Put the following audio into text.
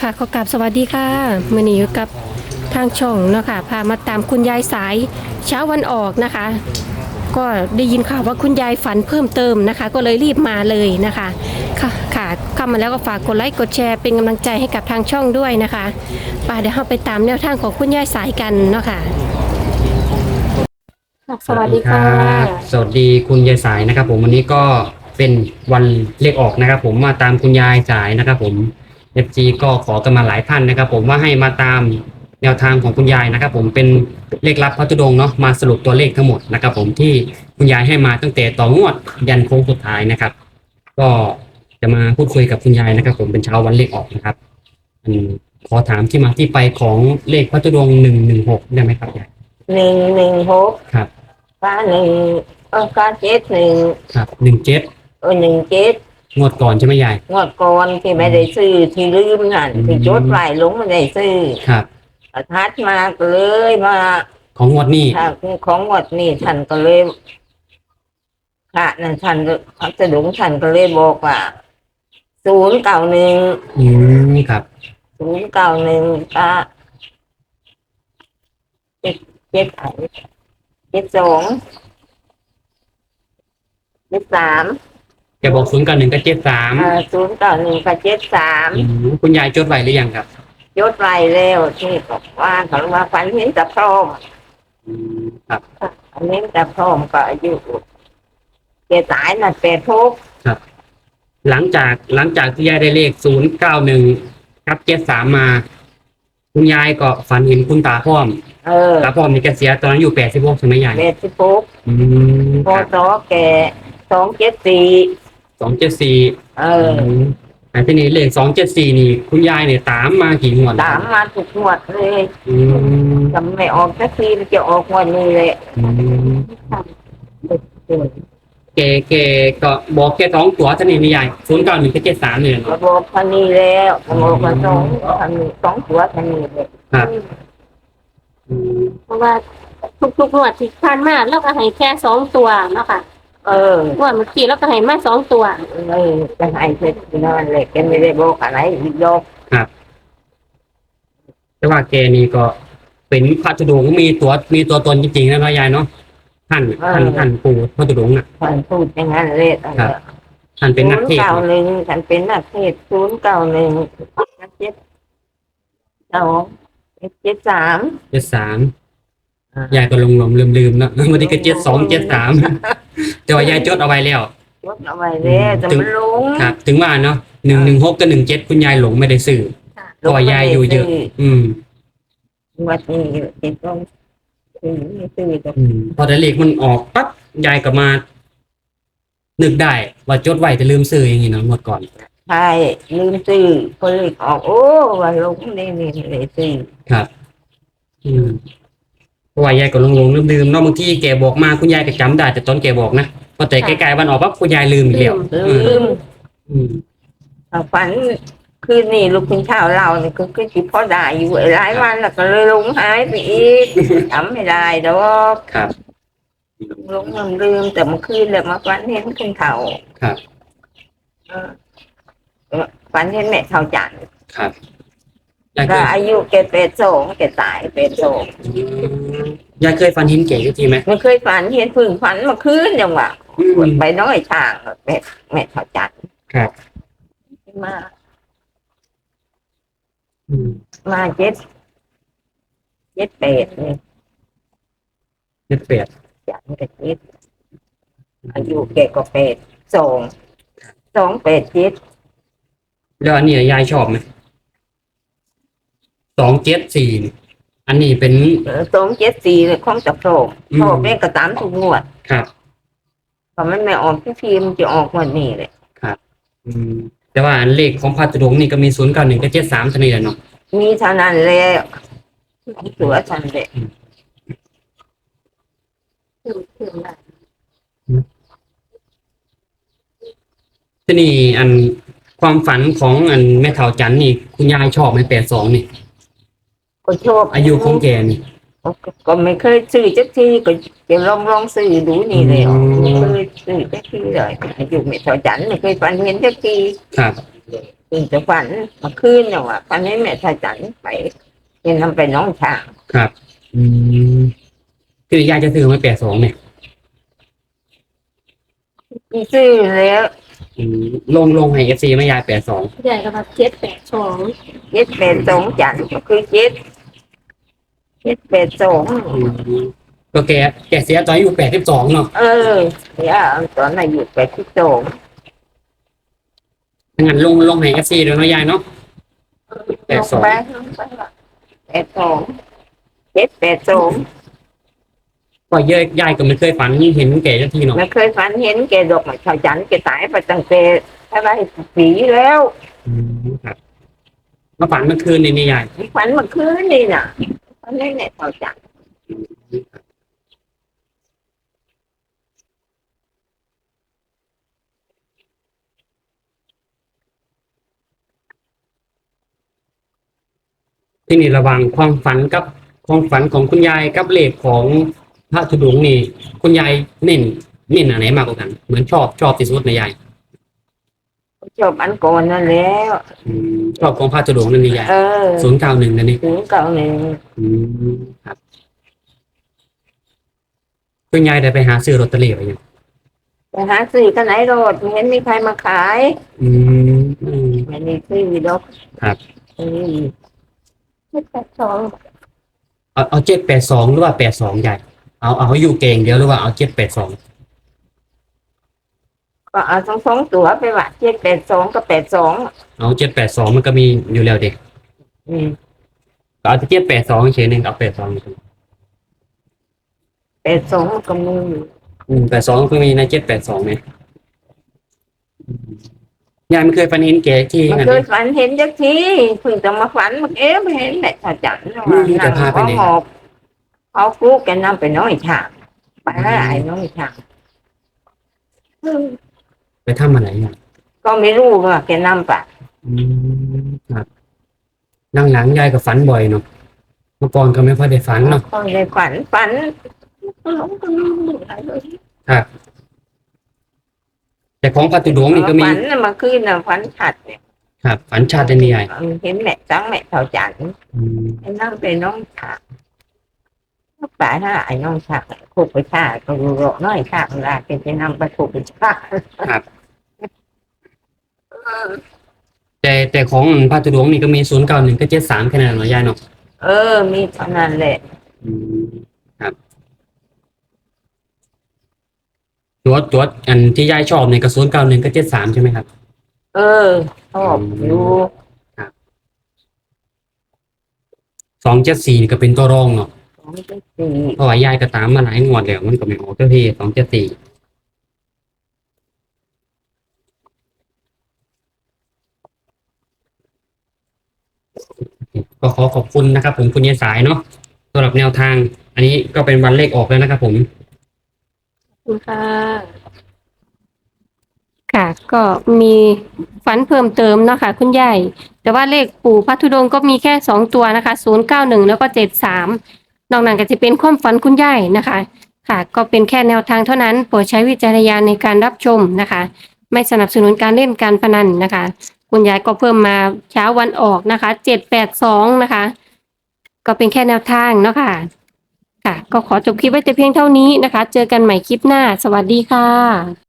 ค่ะขอกราบสวัสดีค่ะมื่อนี้อยู่กับทางช่องเนาะค่ะพามาตามคุณยายสายเช้าวันออกนะคะ ก็ได้ยินข่าวว่าคุณยายฝันเพิ่มเติมนะคะ ก็เลยรีบมาเลยนะคะค่ะเข้ามาแล้วก็ฝากกดไลค์กดแชร์เป็นกำลังใจให้กับทางช่องด้วยนะคะป่าเดี๋ยวเราไปตามแนวทางของคุณยายสายกันเนาะค่ะสวัสดีค่ะสวัสดีคุณยายสายนะครับผมวันนี้ก็เป็นวันเลขออกนะครับผมมาตามคุณยายสายนะครับผม FG ก็ขอกันมาหลายท่านนะครับผมว่าให้มาตามแนวทางของคุณยายนะครับผมเป็นเลขลับพระธุดงค์เนาะมาสรุปตัวเลขทั้งหมดนะครับผมที่คุณยายให้มาตั้งแต่ต่องวดยันโค้งสุดท้ายนะครับก็จะมาพูดคุยกับคุณยายนะครับผมเป็นเช้าวันเลขออกนะครับขอถามที่มาที่ไปของเลขพระธุดงค์116ได้ไหมครับยาย 116 ครับก็หนึ่งก็71 ครับ17 17 งวดก่อนใช่ไหมยายงวดก่อนที่ไม่ได้ซื้อที่ลืมนั่นที่จดไว้ลงไม่ได้ซื้อครับทัดมาก็เลยมาของงวดนี้ของงวดนี้ท่านก็เลยค่ะนั่นท่านพัสดุท่านก็เลยบอกว่า091 ครับ 091ก็72 73 แกบอก091กับ73 091กับ73 คุณยายจดไว้หรือยังครับยศไรแล้วที่บอกว่าเขาว่าฝันเห็นแต่พร้อมครับอันนี้แต่พร้อมก็อายุแกตายน่ะ86 ครับหลังจากที่ยายได้เลข091กับ73มาคุณยายก็ฝันเห็นคุณตาพร้อมตาพร้อมนี่แกเสียตอนนั้นอยู่86ใช่ไหมยาย 86พอต่อแก274 อันที่นี้เลข274นี่คุณยายเนี่ยตามมากี่งวดตามมาทุกงวดเลยจำไม่ออกสักทีจะออกงวดนี้เลยแกก็บอกแค่2ตัวเท่านี้ไม่ใหญ่091กับ73เนี่ยบอกพันนี้แล้วบอกว่า2ตัวพันนี้เลยครับเพราะว่าทุกๆงวดที่ผ่านมาเราก็ให้แค่2ตัวเนาะค่ะงวดเมื่อกี้เราก็ให้มา2ตัวจะให้เสร็จนั่นแหละแกไม่ได้บอกอะไรอีกดอกครับแต่ว่าแกนี่ก็เป็นพระธุดงค์มีตัวตนจริงๆนะน้อยยายเนาะท่านปู่พระธุดงค์น่ะท่านพูดอย่างนั้นเลยท่านเป็นนักเทศน์ 091ท่านเป็นนักเทศน์ 0917273ยายก็ลืมเนาะวันนี้ก็7273แต่ว่ายายจดเอาไว้แล้วจดเอาไว้แล้วแต่มันหลงครับถึงว่าเนาะ116กับ17คุณยายหลงไม่ได้ซื้อเพราะยายอยู่เยอะวัดนี้ติดลงซื้อพอแต่เลขมันออกปั๊บยายก็มานึกได้ว่าจดไว้แต่ลืมซื้ออย่างนี้เนาะหมดก่อนใช่ลืมซื้อพอเลขออกโอ้ว่าลงนี่เลยซื้อครับเพราะว่ายายก็ลืมเนาะบางทีแกบอกมาคุณยายก็จำได้แต่ตอนแกบอกนะพอแต่ใกล้ๆวันออกปั๊บคุณยายลืมอีกแล้วลืมฝันคืนนี้ลูกคุณเช้าเราเนี่ยก็คิดพอได้อยู่หลายวันแล้วก็เลยลงหายไปอีกจำไม่ได้ดอกครับลงลืมแต่เมื่อคืนเลยมาฝันเห็นคุณเฒ่าครับฝันเห็นแม่เฒ่าจันครับก็อายุแก82แกตายยายเคยฝันเห็นแกจริงไหมไม่เคยฝันเห็นพึ่งฝันเมื่อคืนจังหวะไปน้อยช่างแม่เฒ่าจันครับมา78นี่ 78 จันกับ7อายุแกก็8287 แล้วอันนี้ยายชอบไหม274อันนี้เป็น 274เลยของจับโชคแม่ก็ตามทุกงวดครับพอมันไม่ออกที่ทีมจะออกวันนี้เลยครับแต่ว่าเลขของพระธุดงค์นี่ก็มี091กับ73เท่านี้แหละเนาะมีเท่านั้นเลยถือว่าฉันเลยที่นี่อันความฝันของอันแม่เฒ่าจันนี่คุณยายชอบไหม82นี่ก็ชอบอายุของแกนี่ก็ไม่เคยซื้อจักทีก็จะลองซื้อดูนี่เลยไม่เคยซื้อจักทีเลยอายุแม่เฒ่าจันไม่เคยฝันเห็นจักทีครับถึงจะฝันเมาคืนเนี่ยว่าฝันให้แม่ชายจันไปเห็นนำไปน้องช้างครับ อืมคือยายจะซื้อมา82เนี่ยมีซื้อแล้วอืมลงให้ FC ไม่ยาย82 ใหญ่กับ782 782จันก็คือ782 อืมก็แกเสียตอนอายุ82เนาะเนี่ยตอนอายุ82 งั้นลงให้ FC ด้วยเนาะยายเนาะลงไป82 ก็ยายก็ไม่เคยฝันเห็นแกสักทีเนาะไม่เคยฝันเห็นแกดอกไม้ชาวจันทร์แกตายไปตั้งแต่อะไรปีแล้วอืมครับมาฝันเมื่อคืนนี่ยายฝันเมื่อคืนนี่น่ะฝันในแม่ชาวจันทร์ที่นี่ระหว่างความฝันกับความฝันของคุณยายกับเลขของพระธุดงค์นี่คุณยายเน้นอันไหนมากกว่ากัน เหมือนชอบที่สุดนะยายจบอันก่อนนั่นแล้วชอบของพระธุดงค์นั่นนี่ยาย091นั่นนี่ถึงเก่าหนึ่งอืมครับคุณยายได้ไปหาซื้อลอตเตอรี่ไปยังไปหาซื้อกันไหนโรดไม่เห็นมีใครมาขายอืมไม่มีซื้อดอกครับ 782 เอา782หรือว่า82ยายเอาให้อยู่เก่งเดียวหรือว่าเอา782 ก็เอาทั้งสองตัวไปว่า782กับ82 เอา782มันก็มีอยู่แล้วเด็กอืมก็เอา782เฉยๆนึงเอา82 82ก็มี 82ก็มีใน782เนี่ยยายไม่เคยฝันเห็นแกที่มันนั่นเคเลย ยฝันเห็นจักทีเพิ่งจะมาฝันมันไม่เห็นแม่ชาวจันทร์แต่พาไปไหนหอบเขาครูแกนำไปน้อยฉากไปแล้วไอ้น้อยฉากไปทำอะไรอย่างก็ไม่รู้ว่าแกนำไปครับหลังๆยายก็ฝันบ่อยเนาะเมื่อก่อนก็ไม่ค่อยได้ฝันเนาะก็เลยฝันก็หลงก็ลืมอะไรเลยครับแต่ของพระธุดงค์นี่ก็มีฝันน่ะมาคืนน่ะฝันชัดเนี่ยครับฝันชาตินี่ยายเห็นแม่จังแม่ชาวจันทร์อืมไอ้นั่งไปน้องฉากป่าถ้าไอ้น้องฉากถูกไปฆ่าก็รู้โรน้อยฉากเวลาแกจะนำไปถูกไปฆ่าครับแต่ของพระธุดงค์นี่ก็มี091ก็73แค่นั้นเนาะยายเนาะมีเท่านั้นแหละอืมครับตัวอันที่ยายชอบเนี่ยก็091ก็73ใช่ไหมครับชอบอยู่ 274นี่ก็เป็นตัวรองเนาะ 2.4 เพราะว่ายายก็ตามมาหลายงวดแล้วมันก็ไม่ออกเจ้าที่274ก็ขอขอบคุณนะครับผมคุณยายสายเนาะสำหรับแนวทาง อันนี้ก็เป็นวันเลขออกแล้วนะครับผมขอบคุณค่ะ ค่ะ ก็มีฝันเพิ่มเติมเนาะค่ะคุณยายแต่ว่าเลขปู่พระธุดงค์ก็มีแค่2ตัวนะคะ091แล้วก็73นอกนั้นก็จะเป็นความฝันคุณยายนะคะ ค่ะ ก็เป็นแค่แนวทางเท่านั้นโปรดใช้วิจารณญาณในการรับชมนะคะ ไม่สนับสนุนการเล่นการพนันนะคะ คุณยายก็เพิ่มมาเช้าวันออกนะคะ782นะคะ ก็เป็นแค่แนวทางเนาะค่ะ ค่ะ ก็ขอจบคลิปไว้แต่เพียงเท่านี้นะคะ เจอกันใหม่คลิปหน้า สวัสดีค่ะ